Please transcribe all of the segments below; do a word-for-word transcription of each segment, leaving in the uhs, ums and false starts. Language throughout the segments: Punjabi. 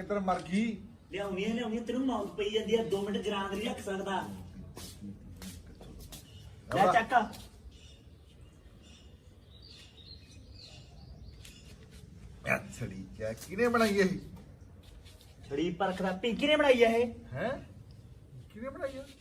ਕਿੱਧਰ ਮਰ ਗਈ? ਲਿਆਉਣੀ ਹੈ ਲਿਆਉਣੀ ਤੈਨੂੰ ਮੌਤ ਪਈ ਜਾਂਦੀ ਹੈ ਦੋ ਮਿੰਟ ਜਰਾਂ ਨਹੀਂ ਰੱਖ ਸਕਦਾ। ਲੈ ਚੱਕ ਛੜੀ ਕਿਆ ਕਿਨੇ ਬਣਾਈ ਇਹ? ਛੜੀ ਪਰਖਦਾ ਪਿੰਕੀ ਨੇ ਬਣਾਈ ਹੈ ਇਹ। ਹੈ ਕਿਨੇ ਬਣਾਈ ਹੈ?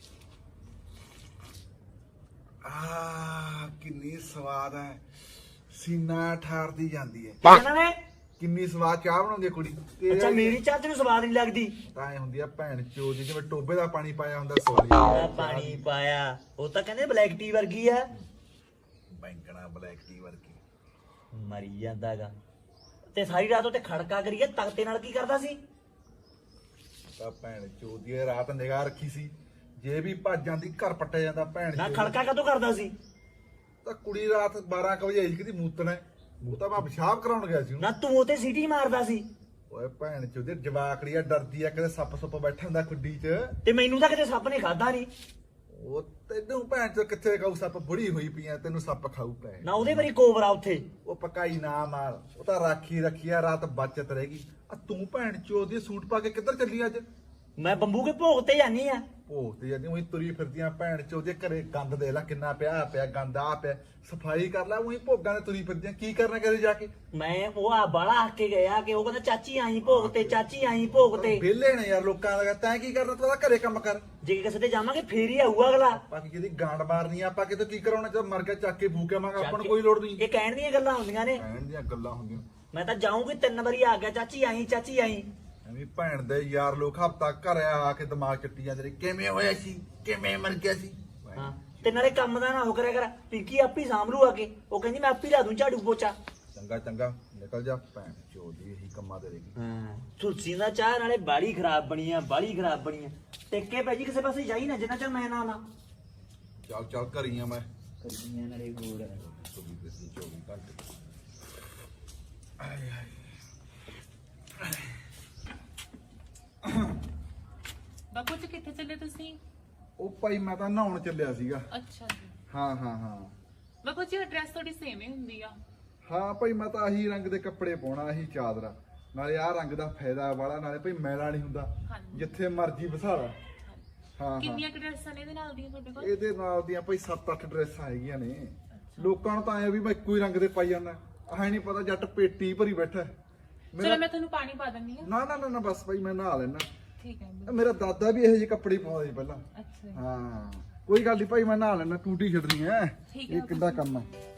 ਆ ਕਿੰਨੀ ਸਵਾਦ ਹੈ, ਸੀਨਾ ਠਾਰਦੀ ਜਾਂਦੀ ਹੈ। ਕਹਿੰਦਾ ਨੇ ਕਿੰਨੀ ਸਵਾਦ ਚਾਹ ਬਣਾਉਂਦੀ ਹੈ ਕੁੜੀ। ਅੱਛਾ ਮੇਰੀ ਚਾਹ ਤੈਨੂੰ ਸਵਾਦ ਨਹੀਂ ਲੱਗਦੀ? ਤਾਂ ਇਹ ਹੁੰਦੀ ਆ ਭੈਣ ਚੋਦ ਦੀ, ਜਿਵੇਂ ਟੋਬੇ ਦਾ ਪਾਣੀ ਪਾਇਆ ਹੁੰਦਾ ਸੋਲੀ ਆ ਪਾਣੀ ਪਾਇਆ। ਉਹ ਤਾਂ ਕਹਿੰਦੇ ਬਲੈਕ ਟੀ ਵਰਗੀ ਆ। ਬੈਂਕਣਾ ਬਲੈਕ ਟੀ ਵਰਗੀ ਮਰੀ ਜਾਂਦਾਗਾ। ਤੇ ਸਾਰੀ ਰਾਤ ਉੱਤੇ ਖੜਕਾ ਕਰੀਏ ਤਖਤੇ ਨਾਲ ਕੀ ਕਰਦਾ ਸੀ? ਤਾਂ ਭੈਣ ਚੋਦ ਦੀ ਰਾਤ ਨਿਗਾਹ ਰੱਖੀ ਸੀ, ਜੇ ਵੀ ਭੱਜ ਜਾਂਦੀ ਘਰ ਪੱਟਿਆ ਜਾਂਦਾ। ਭੈਣ ਨਾ ਚੋਦ ਖੜਕਾ ਕਦੋਂ ਕਰਦਾ ਸੀ? ਤਾਂ ਕੁੜੀ ਰਾਤ ਬਾਰਾਂ ਕੁ ਵਜੇ ਆਈ ਸੀ, ਕਿਤੇ ਮੂਤਣਾ ਮੂੰਹ ਤਾਂ ਮੈਂ ਪਿਸ਼ਾਬ ਕਰਾਉਣ ਗਿਆ ਸੀ। ਨਾ ਤੂੰ ਉਤੇ ਸੀਟੀ ਮਾਰਦਾ ਸੀ। ਓਏ ਭੈਣ ਚੋਦ ਜਵਾਕੜੀ ਆ, ਡਰਦੀ ਆ ਕਿਤੇ ਸੱਪ ਸੁੱਪ ਬੈਠਾ ਹੁੰਦਾ ਖੁੱਡੀ 'ਚ। ਤੇ ਮੈਨੂੰ ਤਾਂ ਕਿਤੇ ਸੱਪ ਨੇ ਖਾਦਾ ਨਹੀਂ। ਉਹ ਤੈਨੂੰ ਭੈਣ ਚੋਦ ਕਿੱਥੇ ਖਾਊ ਸੱਪ, ਬੁੜੀ ਹੋਈ ਪਈ ਆ, ਤੈਨੂੰ ਸੱਪ ਖਾਊ ਭੈਣ। ਨਾ ਉਹਦੇ ਵਾਰੀ ਕੋਬਰਾ ਉੱਥੇ। ਉਹ ਪਕਾਈ ਨਾ ਮਾਰ, ਉਹ ਤਾਂ ਰਾਖੀ ਰੱਖੀ ਆ, ਰਾਤ ਬਚਤ ਰਹੇਗੀ। ਆ ਤੂੰ ਭੈਣ ਚੋਦ ਦੀ ਸੂਟ ਪਾ ਕੇ ਕਿੱਧਰ ਚੱਲੀ ਅੱਜ? ਮੈਂ ਬੰਬੂ ਕੇ ਭੋਗ ਤੇ ਜਾਨੀ ਆ। ਭੋਗ ਤੇ ਜਾਂਦੀ ਉਹੀ ਤੁਰੀ ਫਿਰਦੀਆਂ ਭੈਣ ਚੋਦ ਦੇ ਘਰੇ। ਗੰਦ ਦੇ ਲੈ ਕਿੰਨਾ ਪਿਆ ਪਿਆ ਗੰਦ ਆ ਪਿਆ, ਸਫਾਈ ਕਰ ਲੈ। ਉਹੀ ਭੋਗਾਂ ਤੇ ਤੁਰੀ ਫਿਰਦੀਆਂ, ਕੀ ਕਰਨਾ ਕਰੇ ਜਾ ਕੇ? ਮੈਂ ਉਹ ਆ ਬਾਲਾ ਆ ਕੇ ਗਿਆ ਕਿ ਉਹ ਕਹਿੰਦਾ ਚਾਚੀ ਆਈ ਭੋਗ ਤੇ, ਚਾਚੀ ਆਈ ਭੋਗ ਤੇ। ਵਿਹਲੇ ਨੇ ਯਾਰ ਲੋਕਾਂ ਦਾ, ਤੈਂ ਕੀ ਕਰਨਾ? ਤੂੰ ਤਾਂ ਘਰੇ ਕੰਮ ਕਰ। ਜੇ ਕਿਸੇ ਤੇ ਜਾਵਾਂਗੇ ਫੇਰ ਹੀ ਆਊਗਾ ਅਗਲਾ। ਆਪਾਂ ਜਿਹਦੀ ਗਾਂਡ ਮਾਰਨੀ ਆ, ਆਪਾਂ ਕਿਤੇ ਕੀ ਕਰਾਉਣਾ? ਜਦ ਮਰ ਗਿਆ ਚੱਕ ਕੇ ਫੂਕ ਆਵਾਂਗੇ, ਆਪਾਂ ਨੂੰ ਕੋਈ ਲੋੜ ਨਹੀਂ। ਇਹ ਕਹਿਣ ਦੀਆਂ ਗੱਲਾਂ ਹੁੰਦੀਆਂ ਨੇ। ਕਹਿਣ ਦੀਆਂ ਗੱਲਾਂ ਹੁੰਦੀਆਂ। ਮੈਂ ਤਾਂ ਜਾਊਂਗੀ ਤਿੰਨ ਵਾਰੀ ਆ ਗਿਆ ਚਾਚੀ ਆਈ ਚਾਚੀ ਆਈ। ਐਵੇਂ ਭੈਣ ਦੇ ਯਾਰ ਲੋਕ ਹਫਤਾ ਘਰ ਆ ਕੇ ਦਿਮਾਗ ਚੱਟੀ ਜਾਂਦੇ ਨੇ, ਕਿਵੇਂ ਹੋਇਆ ਸੀ, ਕਿਵੇਂ ਮਰ ਗਿਆ ਸੀ। ਹਾਂ ਤੇ ਨਾਲੇ ਕੰਮ ਦਾ ਨਾ ਹੋ ਕਰਿਆ ਕਰ, ਪਿੰਕੀ ਆਪੀ ਸਾਂਭ ਲੂ ਆ ਕੇ। ਉਹ ਕਹਿੰਦੀ ਮੈਂ ਆਪੀ ਲਾ ਦੂੰ ਝਾੜੂ ਪੋਚਾ। ਚੰਗਾ ਚੰਗਾ ਨਿਕਲ ਜਾ ਭੈਣ ਚੋਦੀ, ਇਹੀ ਕੰਮਾਂ ਦੇ ਰਹੇਗੀ। ਹਾਂ ਤੁਲਸੀ ਦਾ ਚਾਹ ਨਾਲੇ ਬਾੜੀ ਖਰਾਬ ਬਣੀ ਆ, ਬਾੜੀ ਖਰਾਬ ਬਣੀ ਆ। ਟਿੱਕੇ ਪੈ ਜੀ ਕਿਸੇ ਪਾਸੇ ਜਾਈ ਨਾ ਜਿੰਨਾ ਚਿਰ ਮੈਂ ਨਾ ਆਵਾਂ। ਚੱਲ ਚੱਲ ਘਰੀ ਆ ਮੈਂ। ਕਰਦੀਆਂ ਨਾਲੇ ਗੋੜ ਚੌਵੀ ਘੰਟੇ ਆਏ ਆਏ। ਬਾਪੂ ਜੀ ਕਿੱਥੇ ਚੱਲੇ ਤੁਸੀਂ? ਉਹ ਭਾਈ ਮੈਂ ਤਾਂ ਨਹਾਉਣ ਚੱਲਿਆ ਸੀਗਾ। ਅੱਛਾ ਜੀ। ਹਾਂ ਹਾਂ ਹਾਂ ਬਾਪੂ ਜੀ ਐਡਰੈਸ ਤੁਹਾਡੀ ਸੇਮ ਹੀ ਹੁੰਦੀ ਆ। ਹਾਂ ਭਾਈ ਮੈਂ ਤਾਂ ਆਹੀ ਰੰਗ ਦੇ ਕੱਪੜੇ ਪਾਉਣਾ, ਆਹੀ ਚਾਦਰਾ, ਨਾਲੇ ਆਹ ਰੰਗ ਦਾ ਫਾਇਦਾ ਵਾਲਾ, ਨਾਲੇ ਭਾਈ ਮੈਲਾ ਨਹੀਂ ਹੁੰਦਾ, ਹਾਂਜੀ। ਜਿੱਥੇ ਮਰਜ਼ੀ ਵਸਾਲਾ। ਹਾਂ ਹਾਂ ਕਿੰਨੀਆਂ ਡਰੈਸਾਂ ਨੇ ਇਹਦੇ ਨਾਲ ਦੀਆਂ ਤੁਹਾਡੇ ਕੋਲ? ਇਹਦੇ ਨਾਲ ਦੀਆਂ ਭਾਈ ਸੱਤ ਅੱਠ ਡਰੈਸਾਂ ਹੈਗੀਆਂ ਨੇ। ਲੋਕਾਂ ਨੂੰ ਤਾਂ ਆਇਆ ਵੀ ਮੈਂ ਇੱਕੋ ਹੀ ਰੰਗ ਦੇ ਪਾਈ ਜਾਂਦਾ, ਆਹ ਨਹੀਂ ਪਤਾ ਜੱਟ ਪੇਟੀ ਭਰੀ ਬੈਠਾ। ਚਲੋ ਮੈਂ ਤੁਹਾਨੂੰ ਪਾਣੀ ਪਾ ਦਿੰਦੀ ਆ। ਨਾ ਨਾ ਨਾ ਨਾ ਬਸ ਭਾਈ ਮੈਂ ਨਹਾ ਲੈਣਾ। ਠੀਕ ਹੈ। ਮੇਰਾ ਦਾਦਾ ਵੀ ਇਹੋ ਜਿਹੇ ਕੱਪੜੇ ਪਾਉਂਦਾ ਸੀ ਪਹਿਲਾਂ। ਅੱਛਾ। ਹਾਂ ਕੋਈ ਗੱਲ ਨਹੀਂ ਭਾਈ, ਮੈਂ ਨਹਾ ਲੈਣਾ, ਟੂਟੀ ਛੱਡਣੀ ਐ। ਠੀਕ ਹੈ। ਇਹ ਕਿੱਦਾਂ ਕੰਮ ਹੈ?